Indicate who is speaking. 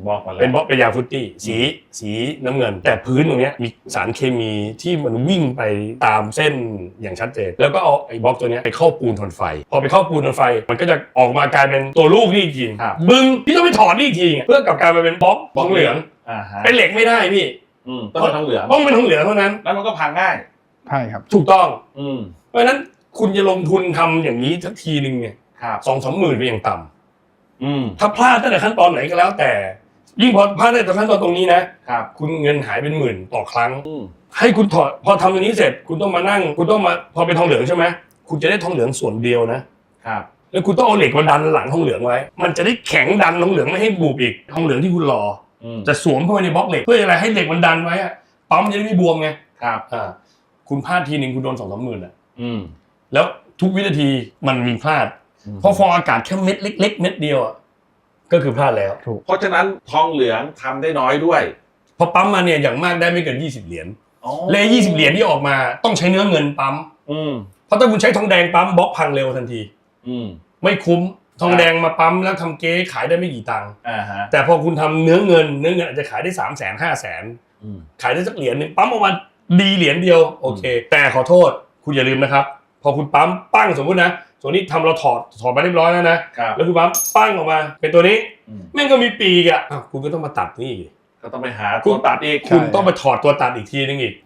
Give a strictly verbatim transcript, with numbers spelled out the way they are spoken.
Speaker 1: บอกมาแล้ว
Speaker 2: เป็นบล็อกเป็นยางฟรุตตี้สีสีน้ำเงินแต่พื้นตรงนี้มีสารเคมีที่มันวิ่งไปตามเส้นอย่างชัดเจนแล้วก็เอาไอ้บล็อกตัวนี้ไปเข้าปูนทนไฟพอไปเข้าปูนทนไฟมันก็จะออกมากลายเป็นตัวลูกนี่อีกทีบึ้งพี่ต้องไปถอดนี่อีกทีเพื่อกลับกลายมาเป็นบล็อกทองเหลืองเป็นเหล็กไม่ได้พี่
Speaker 1: ต้องเป็นทองเหลือง
Speaker 2: ต้องเป็นทองเหลืองเท่านั้น
Speaker 1: แล้วมันก็พังง่าย
Speaker 3: ใช่ครับ
Speaker 2: ถูกต้องเพราะฉะนั้นคุณจะลงทุนทำอย่างนี้สักทีนึงเนี่ยสองสามหมื่นเป็นอย่างต่ำถ้าพลาดตั้งแต่ขั้นตอนไหนก็แล้วแต่ยิ่งพอพลาดตั้งแต่ขั้นตอนตรงนี้นะคุณเงินหายเป็นหมื่นต่อครั้งให้คุณถอดพอทำตรงนี้เสร็จคุณต้องมานั่งคุณต้องมาพอเป็นทองเหลืองใช่ไหมคุณจะได้ทองเหลืองส่วนเดียวนะครับแล้วคุณต้องเอาเหล็กมาดันหลังทองเหลืองไว้มันจะได้แข็งดันทองเหลืองไม่ให้บุบอีกทองเหลืองที่คุณรอจะสวมเข้าไปในบล็อกเหล็กเพื่ออะไรให้เหล็กมันดันไว้อะปั๊มจะได้ไม่บวมไง
Speaker 1: ครับ
Speaker 2: อ่าคุณพลาดทีนึงคุณโดนสองสามหมื่นอ่ะแล้วทุกวินาทีมันมีพลาดเพราะฟองอากาศแค่เม็ดเล็กๆเม็ดเดียวอ่ะก็คือพลาดแล้ว
Speaker 1: เพราะฉะนั้นทองเหลืองทำได้น้อยด้วย
Speaker 2: พอปั๊มมาเนี่ยอย่างมากได้ไม่เกินยี่สิบเหรียญเลยยี่สิบเหรียญที่ออกมาต้องใช้เนื้อเงินปั๊มเพราะถ้าคุณใช้ทองแดงปั๊มบล็อกพังเร็วทันทีไม่คุ้มทองแดงมาปั๊มแล้วทำเก๊ขายได้ไม่กี่ตังค์แต่พอคุณทำเนื้อเงินเนื้อเงินอาจจะขายได้สามแสนห้าแสนขายได้สักเหรียญนึงปั๊มออกมาดีเหรียญเดียวโอเคแต่ขอโทษคุณอย่าลืมนะครับพอคุณปั๊มปั้งสมมตินะส่วนนี้ทำเราถอดถอดมาเรียบร้อยแล้วนะแล้วคุณปั๊มปั้งออกมาเป็นตัวนี้แม่งก็มีปีกอ่ะคุณก็ต้องมาตัดนี่
Speaker 1: ก็ต้องไปหาตัวตัดอีก
Speaker 2: คุณต้องไปถอดตัวตัดอีกทีนึงอีก